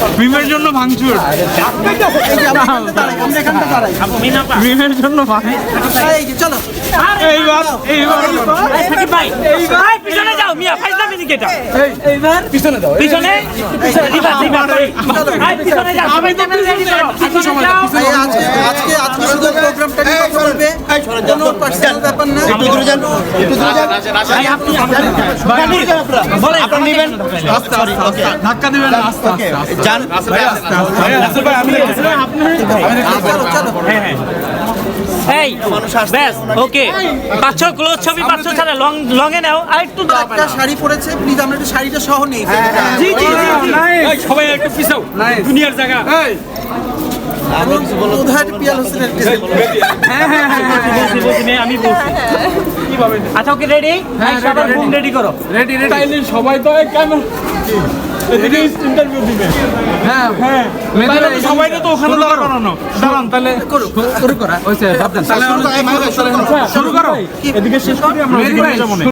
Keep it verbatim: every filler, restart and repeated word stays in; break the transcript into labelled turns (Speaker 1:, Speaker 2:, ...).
Speaker 1: ভীমের জন্য ভাঙচুর, ভীমের জন্য
Speaker 2: চলো
Speaker 1: এইবার এইবার
Speaker 3: পিছনে যাও মিয়া ফাইজলামি দিকে এটা
Speaker 2: এইবার
Speaker 4: পিছনে দাও
Speaker 3: পিছনে রিভার্স রিভার্স পিছনে যাও
Speaker 1: আমি তো রেডি করো
Speaker 2: ভাই, আজকে আজকে আজকে শুধু প্রোগ্রামটা নিয়ে কথা বলবে, কোনো পার্সোনাল ব্যাপার না।
Speaker 4: একটু দূরে যান একটু দূরে যান
Speaker 3: ভাই আপনি
Speaker 4: বলেন আপনারা নেবেন সরি ওকে
Speaker 1: ধাক্কা দিবেন না, আস্তে
Speaker 4: ওকে
Speaker 1: আস্তে
Speaker 4: যান
Speaker 1: রাসেল ভাই, আমি আপনি
Speaker 2: চলো চলো
Speaker 3: এই ব্যাস ওকে পাঁচশো ক্লোজ ছবি পাঁচশো ছাড়া লং লং এ নাও আর একটু দাও
Speaker 2: একটা শাড়ি পরেছে, প্লিজ আমরা একটু শাড়িটা সহ নেই।
Speaker 3: জি জি
Speaker 1: এই সবাই একটু পিছাও, দুনিয়ার জায়গা এই
Speaker 2: উধার পিয়াল হোসেনের
Speaker 1: হ্যাঁ হ্যাঁ হ্যাঁ
Speaker 3: আমি বলছি আচ্ছা ওকে রেডি সবার ফোন রেডি করো
Speaker 1: রেডি রেডি তাইলে সবাই তো এই ক্যামেরা এদিকে ইন্টারভিউ দিবে। হ্যাঁ হ্যাঁ সবাই তো ওখানে দাঁড়ানো, দাঁড়ান তাহলে
Speaker 2: করো
Speaker 1: শুরু করা হইছে ভাবতেন তাহলে শুরু করো, এদিকে শেষ করি আমরা,